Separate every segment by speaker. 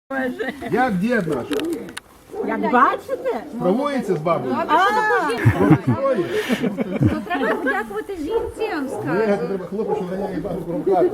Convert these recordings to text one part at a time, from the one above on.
Speaker 1: Як дід наш?
Speaker 2: Як бачите?
Speaker 1: Справується з бабою?
Speaker 3: То треба подякувати жінці, я вам скажу.
Speaker 1: Треба хлопець, що ганяє бабу крумкати.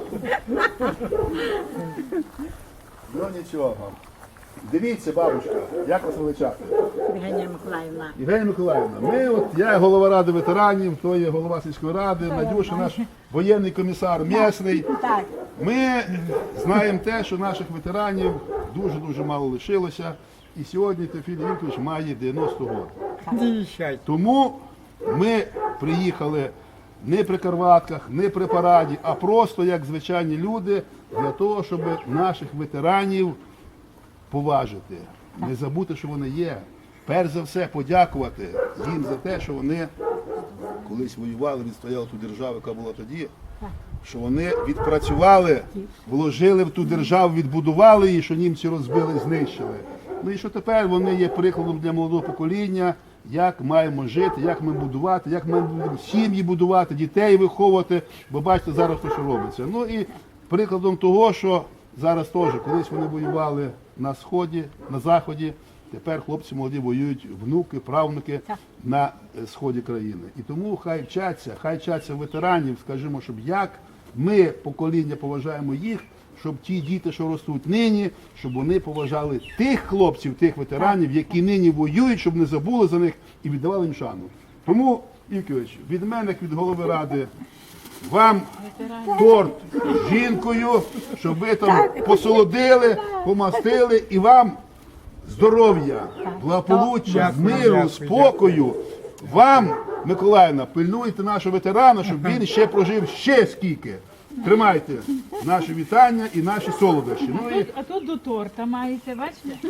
Speaker 1: Ну нічого. Дивіться, бабушка, як вас величати?
Speaker 2: Євгенія Миколаївна.
Speaker 1: Євгенія Миколаївна, я голова ради ветеранів, то є голова сільської ради, Надюша наш воєнний комісар місний.
Speaker 2: Так.
Speaker 1: Ми знаємо те, що наших ветеранів дуже-дуже мало лишилося. І сьогодні Теофіль Вікторович має 90 років. Тому ми приїхали не при карватках, не при параді, а просто як звичайні люди для того, щоб наших ветеранів поважити, не забути, що вони є. Перш за все подякувати їм за те, що вони колись воювали, відстояли ту державу, яка була тоді, що вони відпрацювали, вложили в ту державу, відбудували її, що німці розбили, знищили. Ну і що тепер вони є прикладом для молодого покоління, як маємо жити, як ми будувати, як ми будемо сім'ї будувати, дітей виховувати, бо бачите зараз, що робиться. Ну і прикладом того, що зараз теж, колись вони воювали на Сході, на Заході, тепер хлопці молоді воюють, внуки, правнуки на сході країни. І тому хай вчаться ветеранів, скажімо, щоб як ми, покоління, поважаємо їх, щоб ті діти, що ростуть нині, щоб вони поважали тих хлопців, тих ветеранів, які нині воюють, щоб не забули за них і віддавали їм шану. Тому, Івкович, від мене, як від голови ради, вам торт з жінкою, щоб ви там посолодили, помастили, і вам здоров'я, благополуччя, миру, спокою. Вам, Миколаївна, пильнуйте нашого ветерана, щоб він ще прожив ще скільки. Тримайте наші вітання і наші солодощі. Ну, і...
Speaker 4: А тут до торта маєте, бачите?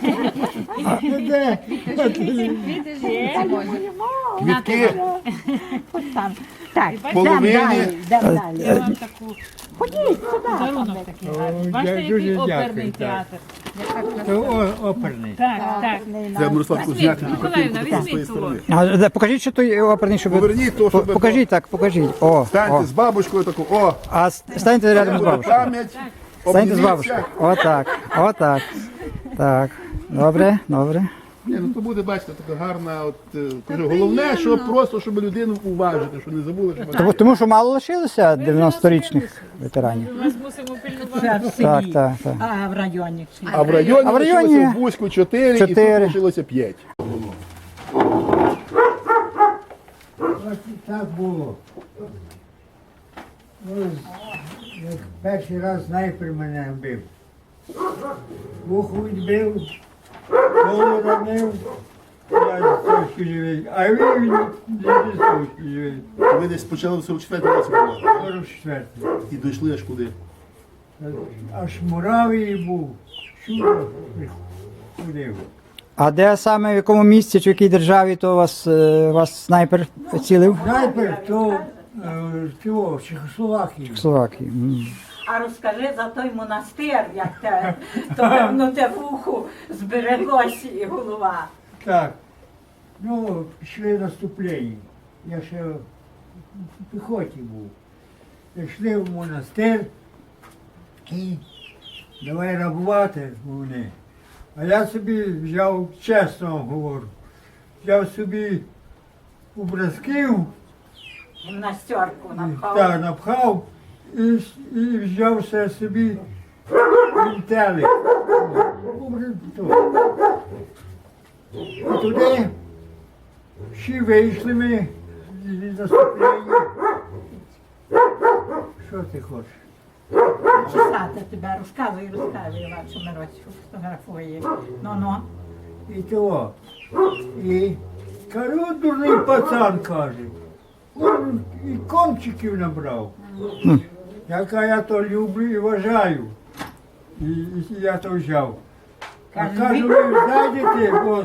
Speaker 1: Квітки
Speaker 2: Так,
Speaker 1: половині.
Speaker 4: Я вам таку
Speaker 2: Ходіть сюди.
Speaker 4: подарунок такий гарний. Бачите, який оперний театр.
Speaker 5: Оперний.
Speaker 4: Так.
Speaker 1: Це Мирослав Кузнятин.
Speaker 4: Миколаївна,
Speaker 1: з тої
Speaker 4: візьміть
Speaker 1: сторони.
Speaker 5: Покажіть, що той оперний, щоб...
Speaker 1: Поверніть то, щоб...
Speaker 5: Покажіть так, покажіть. О,
Speaker 1: Станьте з бабушкою таку, о!
Speaker 5: А станьте рядом з бабушкою.
Speaker 1: Пам'ять,
Speaker 5: Станьте з
Speaker 1: обніміться.
Speaker 5: бабушкою. Отак. Так. Добре.
Speaker 1: Ні, ну то буде, бачите, така гарна, кажу, головне, щоб людину уважити, щоб не забули, що...
Speaker 5: Тому що мало лишилося 90-річних ветеранів.
Speaker 4: Ми вас мусимо пильнувати.
Speaker 5: Так.
Speaker 2: А в районі?
Speaker 1: А в районі
Speaker 5: А в районі
Speaker 1: лишилося в Бузьку 4 і тут
Speaker 5: 4.
Speaker 1: лишилося 5.
Speaker 6: Так було. Як перший раз снайпер мене вбив. Вухо відбив, голову ранив, я трошки живий, а він не трошки живий.
Speaker 1: Ви десь почали в 44-му році було,
Speaker 6: 44-й.
Speaker 1: і дійшли аж куди?
Speaker 6: Аж Муравії був, чудо ходив.
Speaker 5: А де саме, в якому місці чи в якій державі то вас снайпер цілив?
Speaker 6: Снайпер то чого, в Чехословакії.
Speaker 5: В Словакії.
Speaker 2: А розкажи за той монастир, як то певно те вухо збереглося і голова.
Speaker 6: Так, ну, пішли наступлення. Я ще в піхоті був. Пішли в монастир і давай рабувати вони. А я собі взяв, чесно говорю, взяв собі образків,
Speaker 2: Гімнастерку напхав.
Speaker 6: так, напхав і взяв ще собі вінтелик. І туди всі вийшли ми з наступлення. Що ти хочеш?
Speaker 2: Чесати тебе, розказуй, Іван Шумирович фотографує. Ну.
Speaker 6: І того. І кажу, дурний пацан каже. Он і кончиків набрав. Я то люблю і вважаю. І я то взяв. А кажу, ви зайдете, бос,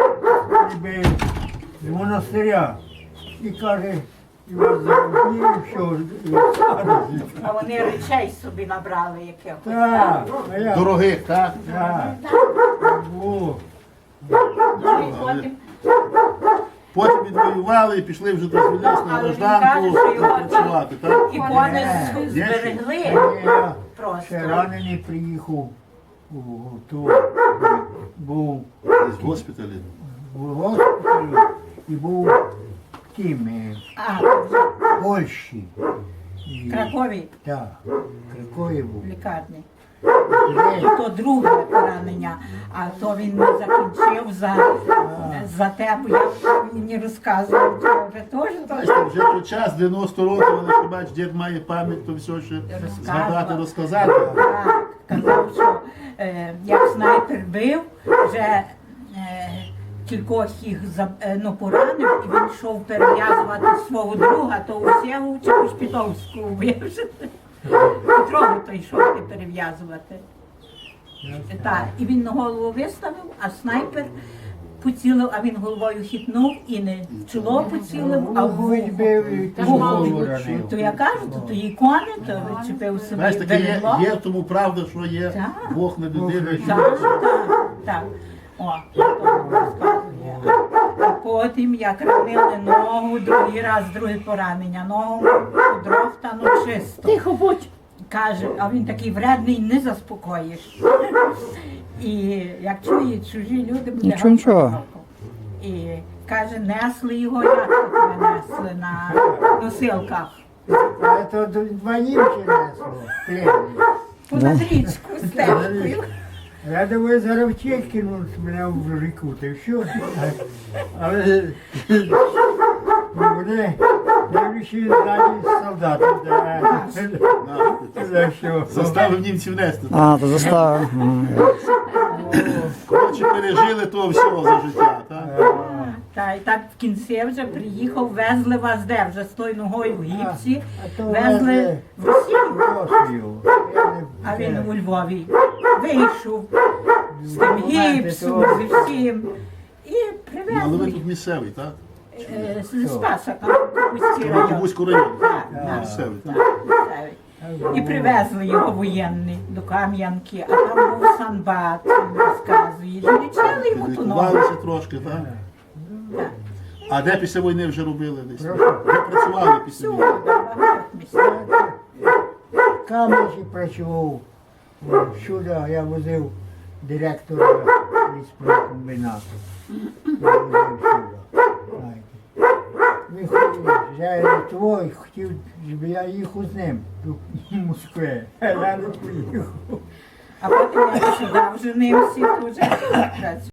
Speaker 6: з монастиря. І каже, і вас заробні, що
Speaker 2: А вони речей собі набрали якихось.
Speaker 6: так, а я.
Speaker 1: Дорогих, так?
Speaker 6: Так. О,
Speaker 2: Ну і потім.
Speaker 1: Потім відвоювали і пішли вже дозволились на
Speaker 2: Але він
Speaker 1: гражданку
Speaker 2: каже, що його
Speaker 1: працювати, так?
Speaker 2: Ікони зберегли.
Speaker 6: я
Speaker 2: Просто.
Speaker 6: ще ранений приїхав. був
Speaker 1: Десь в госпіталі.
Speaker 6: в госпіталі і був тим
Speaker 2: А,
Speaker 6: в Польщі.
Speaker 2: в Кракові,
Speaker 6: Так, Кракові був.
Speaker 2: в лікарні.
Speaker 6: Де-
Speaker 2: То друге поранення, а то він не закінчив за те, бо я мені розказував, що вже теж то
Speaker 1: Бачите, вже той час, 90 років, але що бач, дід має пам'ять, то все ще згадати, розказати.
Speaker 2: так, казав, що як снайпер бив, вже кількох їх поранив, і він йшов перев'язувати свого друга, то у Сєву чи у Шпітовську вбив. Петрову то йшов і перев'язувати. Так, і він на голову виставив, а снайпер поцілив, а він головою хитнув і не в чоло поцілив, а в вухо.
Speaker 6: Вухо.
Speaker 2: То я кажу, то її кони, то відчепив собі
Speaker 1: Знаєш, таке
Speaker 2: берегло.
Speaker 1: є в тому правда, що є
Speaker 2: Так.
Speaker 1: Бог не людина.
Speaker 2: Так, так, так. О, то розказує. А потім, як ранили ногу, другий раз, друге поранення, ногу дров та ну чисто.
Speaker 4: Тихо будь.
Speaker 2: Каже, а він такий вредний, не заспокоїш. І як чує чужі люди, буде
Speaker 5: Нічого, нічого.
Speaker 2: галка. І каже, несли його, як тут ми несли на носилках.
Speaker 6: Це два німці несло, пленні.
Speaker 2: Понад річку стежкою.
Speaker 6: Я думаю, зараз втік кинуть мене в ріку, та й що? Але буде найбільші ззаді солдати. За що?
Speaker 1: Заставив німців нести.
Speaker 5: А, то заставив.
Speaker 1: Коротше, пережили то все за життя. Так?
Speaker 2: Та і так в кінці вже приїхав, везли вас де, вже з тою ногою в гіпсі,
Speaker 6: А то
Speaker 2: везли в Росію.
Speaker 6: Росію.
Speaker 2: А він у Львові вийшов з тим гіпсом, зі всім. І
Speaker 1: Ну, але ви
Speaker 2: привезли
Speaker 1: тут місцевий, так?
Speaker 2: з Спаса, Кабузький район.
Speaker 1: Кабузький район.
Speaker 2: Так,
Speaker 1: Ну,
Speaker 2: так,
Speaker 1: місцевий.
Speaker 2: так, місцевий. І привезли його воєнний до Кам'янки, а там був санбат, він розказує. І лічили йому ту ногу.
Speaker 1: Лікувалися трошки, так?
Speaker 2: Так.
Speaker 1: А де після війни вже робили десь? Де працювали після
Speaker 2: Всюди,
Speaker 1: війни?
Speaker 2: в багатьох місцях.
Speaker 6: Кам'янці працював. Сюди я возив директора ліспрокомбінату. Я возив сюди. Знаєте. Він хотів, я твой хотів, щоб я їхав з ним до Москви. А я не поїхав.
Speaker 2: А потім я сюди вже не всі вже працюють.